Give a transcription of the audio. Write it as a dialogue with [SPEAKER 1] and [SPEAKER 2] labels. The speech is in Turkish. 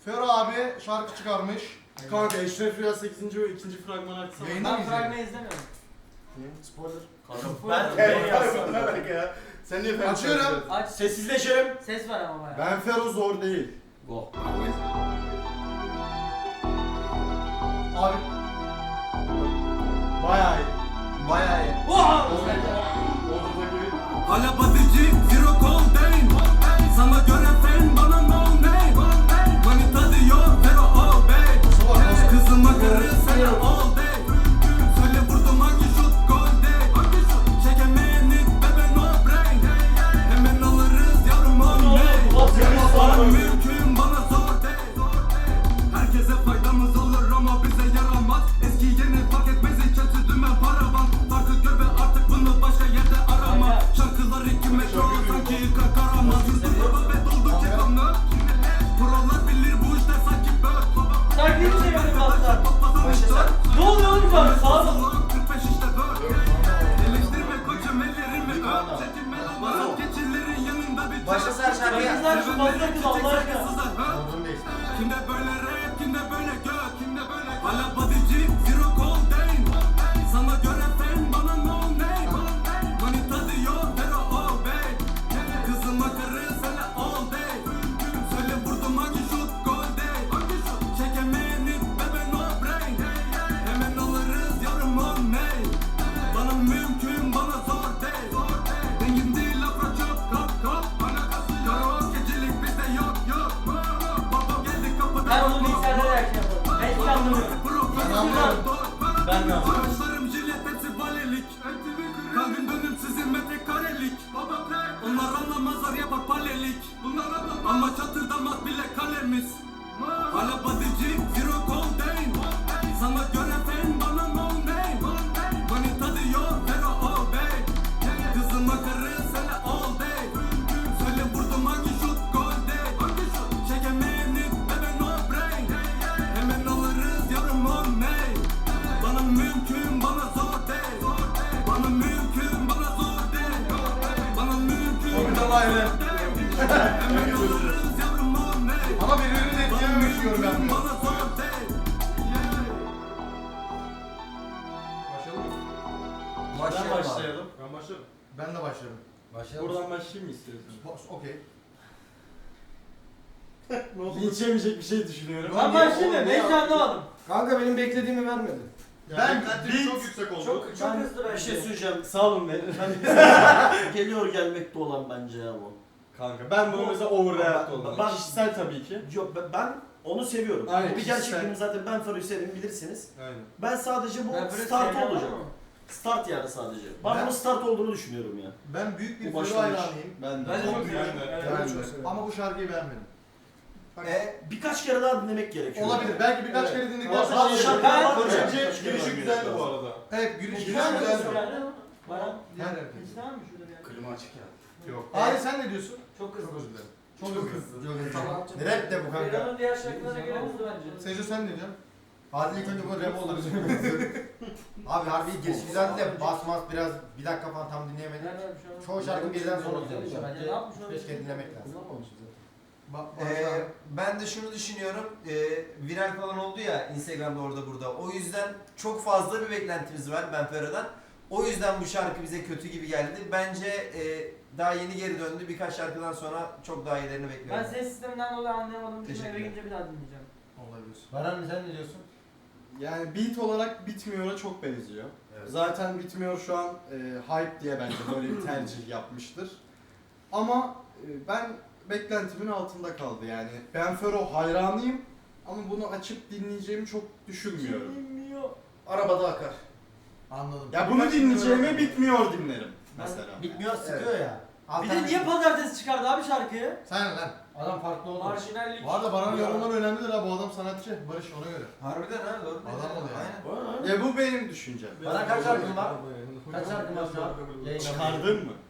[SPEAKER 1] Fero abi şarkı çıkarmış.
[SPEAKER 2] Kanka Eşref Rüya 8. ve 2. fragmanı açsana.
[SPEAKER 1] Yayında mı
[SPEAKER 3] Ben fragmanı
[SPEAKER 1] izleyelim?
[SPEAKER 3] izlemiyorum.
[SPEAKER 2] Spoiler.
[SPEAKER 4] Ben yazsam.
[SPEAKER 2] ya. Sen niye Fero?
[SPEAKER 1] Açıyorum.
[SPEAKER 3] Aç.
[SPEAKER 4] Sessizleşelim.
[SPEAKER 3] Ses var ama bayağı.
[SPEAKER 2] Ben Fero zor değil.
[SPEAKER 4] Go.
[SPEAKER 1] Abi
[SPEAKER 2] Bayağı iyi.
[SPEAKER 1] bayağı iyi.
[SPEAKER 5] Hala batıcı, zero coldane. Sana göre fen, bana no name. Manita diyor, Fero all day. Kızıma karı, sana all day. Söyle vurdum hangi şut gol day. Çekemeyen it, bebe no brain. Hemen alırız yavrum on day. Bana mümkün, bana zor day. Herkese faydamız olur ama bize yaramaz. Eski yeni fark etmez, kötü dümen paravan. Farkı gör ve artık bunu başka yerde arama. Şarkılar 2 metro sanki yıkar karamaz. Yurdu baba ve doldu kekanlı. Prolar bilir bu işler sanki böl.
[SPEAKER 3] Şarkıyı mı çevirdin aslında?
[SPEAKER 4] Başla.
[SPEAKER 3] Ne oluyor oğlum şu an? Sağ ol.
[SPEAKER 5] 45 işte böl. Eleştirme koçum ellerimi öp. Çekinme lan geçillerin yanında bir
[SPEAKER 4] Başlasın her şarkıya.
[SPEAKER 3] Başlasın şu fazla kız Allah aşkına.
[SPEAKER 1] Olduğunu değil.
[SPEAKER 5] Kimde böyle rap, kimde böyle gök, kimde böyle hala bodyci, zero coldane. Sana göre fen, bana no name. Manita diyor, Fero all day. Kızıma karı, sana all day. Söyle vurdum hangi şut gol day. Çekemeyen it, bebe no brain. Hemen alırız yavrum on name. Bana mümkün, bana zor day. Dengim değil afra çok kap kap. Karaoke gecelik bizde yok yok. Baba geldi kapıda.
[SPEAKER 3] Ben onu bilgisayarda da yakın yaparım. Ben hiç anlamıyorum.
[SPEAKER 1] Ben anlıyorum.
[SPEAKER 4] Ben de anlıyorum.
[SPEAKER 5] Saçlarım jilet hepsi valelik. Kalbim dönüm sizin metrekarelik. Onlar anlamazlar yapar palelik. Ama çatırdamaz bile kalemiz. Hala bodyci, zero coldane. Sana göre fen, bana no name. Manita diyor, Fero all day. Kızıma karı, sana all day. Söyle vurdum hangi şut gol day. Çekemeyen it, bebe no brain. Hemen alırız yavrum on name. Bana mümkün, bana zor day. Bana mümkün, bana zor day. Bana mümkün,
[SPEAKER 1] Orada var ya.
[SPEAKER 5] hemen alırız yavrum on name.
[SPEAKER 1] Ama birbirini etkilememiş diyorum ben.
[SPEAKER 5] Bana zor day.
[SPEAKER 1] Başlayalım.
[SPEAKER 4] Ben başlayalım.
[SPEAKER 2] Ben başlarım.
[SPEAKER 1] Ben de başlarım.
[SPEAKER 2] Buradan başlayayım mı istiyorsun?
[SPEAKER 1] Okey.
[SPEAKER 2] Linç yemeyecek bir şey düşünüyorum.
[SPEAKER 3] Ben başlayayım. Ben hiç anlamadım.
[SPEAKER 6] Kanka benim beklediğimi vermedi.
[SPEAKER 1] Ben
[SPEAKER 2] çok yüksek oldu.
[SPEAKER 3] Çok hızlı bence.
[SPEAKER 4] Bir şey söyleyeceğim.
[SPEAKER 2] Sağ olun verin.
[SPEAKER 4] Geliyor gelmekte olan bence ya bu.
[SPEAKER 2] Kanka ben bunu mesela overreact oldum.
[SPEAKER 4] Ben-
[SPEAKER 2] Kişisel tabii ki.
[SPEAKER 4] Yok ben onu seviyorum.
[SPEAKER 2] Aynen,
[SPEAKER 4] Bu bir
[SPEAKER 2] kişisel.
[SPEAKER 4] gerçekliğim zaten, ben Fero'yu severim bilirsiniz.
[SPEAKER 2] Aynen.
[SPEAKER 4] Ben sadece bu
[SPEAKER 3] Ben böyle
[SPEAKER 4] start
[SPEAKER 3] sevmem
[SPEAKER 4] olacak.
[SPEAKER 3] ama.
[SPEAKER 4] Start yani sadece. Ben
[SPEAKER 1] Ben-
[SPEAKER 4] bunun start olduğunu düşünüyorum ya.
[SPEAKER 1] Ben büyük bir
[SPEAKER 4] Bu
[SPEAKER 1] Fero
[SPEAKER 4] başlangıç.
[SPEAKER 1] hayranıyım.
[SPEAKER 2] Ben de.
[SPEAKER 3] Ben de çok
[SPEAKER 2] Ben
[SPEAKER 3] seviyorum.
[SPEAKER 2] de.
[SPEAKER 3] Evet.
[SPEAKER 1] Ben
[SPEAKER 6] çok
[SPEAKER 1] de.
[SPEAKER 6] severim.
[SPEAKER 1] Ama bu şarkıyı beğenmedim.
[SPEAKER 4] Birkaç kere daha dinlemek gerekiyor.
[SPEAKER 1] Olabilir. Belki birkaç
[SPEAKER 2] Evet.
[SPEAKER 1] kere dinledikten
[SPEAKER 2] Ama
[SPEAKER 1] sonra
[SPEAKER 4] bazı
[SPEAKER 1] şey
[SPEAKER 4] şarkılar
[SPEAKER 1] yapabilirim.
[SPEAKER 4] var hocam.
[SPEAKER 2] Bence
[SPEAKER 4] Birkaç kere
[SPEAKER 2] girişi
[SPEAKER 4] daha
[SPEAKER 2] güzeldi
[SPEAKER 4] dinlemek
[SPEAKER 2] bu
[SPEAKER 4] lazım.
[SPEAKER 2] arada.
[SPEAKER 1] Evet, gülüş
[SPEAKER 3] Güzel mi?
[SPEAKER 1] güzel.
[SPEAKER 3] Baran.
[SPEAKER 1] Her
[SPEAKER 3] Hiç tamam mı şurada bir yer?
[SPEAKER 6] Klima açık ya.
[SPEAKER 1] Yok. Abi sen ne diyorsun?
[SPEAKER 3] Çok hızlı.
[SPEAKER 1] Çok özür dilerim. Çok hızlı.
[SPEAKER 6] Tamam.
[SPEAKER 1] Rap de bu kanka.
[SPEAKER 3] Ferhan'ın diğer şarkılarına göre hızlı bence.
[SPEAKER 1] Sejo sen ne diyorsun?
[SPEAKER 6] Hadi ilk önce bu rap olur. Abi harbi giriş güzeldi de basmaz biraz bir dakika falan tam dinleyemedik.
[SPEAKER 3] Nerede bir şey var?
[SPEAKER 6] Çoğu şarkı birden sonra
[SPEAKER 3] Ya
[SPEAKER 6] oluyor.
[SPEAKER 3] ne yapmış o?
[SPEAKER 6] Keşke dinlemek lazım.
[SPEAKER 7] Ben de şunu düşünüyorum, viral falan oldu ya Instagram'da orada burada. O yüzden çok fazla bir beklentimiz var Ben Ferah'dan. O yüzden bu şarkı bize kötü gibi geldi. Bence daha yeni geri döndü. Birkaç şarkıdan sonra çok daha iyilerini
[SPEAKER 3] Ben
[SPEAKER 7] bekliyorum.
[SPEAKER 3] ses sisteminden dolayı anlayamadım. Şimdi eve
[SPEAKER 7] Teşekkürler.
[SPEAKER 3] gidince bir daha dinleyeceğim.
[SPEAKER 1] Olabilir.
[SPEAKER 6] Baran sen ne diyorsun?
[SPEAKER 2] Yani beat olarak Bitmiyor'a çok benziyor.
[SPEAKER 6] Evet.
[SPEAKER 2] Zaten Bitmiyor şu an hype diye bence böyle bir tercih yapmıştır. Ama ben beklentimin altında kaldı yani. Ben Fero hayranıyım ama bunu açıp dinleyeceğimi çok düşünmüyorum.
[SPEAKER 6] Arabada akar.
[SPEAKER 1] Anladım.
[SPEAKER 2] Ya bunu dinleyeceğime Bitmiyor dinlerim mesela.
[SPEAKER 6] Bitmiyor sıkıyor ya.
[SPEAKER 3] Bir de niye pazartesi çıkardı abi şarkıyı?
[SPEAKER 1] Sen lan.
[SPEAKER 6] Adam farklı oldu.
[SPEAKER 3] Marjinallik.
[SPEAKER 1] Bu arada Baran'ın yorumları önemlidir ha. Bu adam sanatçı. Barış ona göre.
[SPEAKER 7] Harbiden ha doğru.
[SPEAKER 1] Adam oluyor.
[SPEAKER 7] Aynen.
[SPEAKER 2] Ya bu benim düşüncem.
[SPEAKER 6] Bana kaç şarkın var? Kaç şarkın var şu an?
[SPEAKER 2] Çıkardın mı?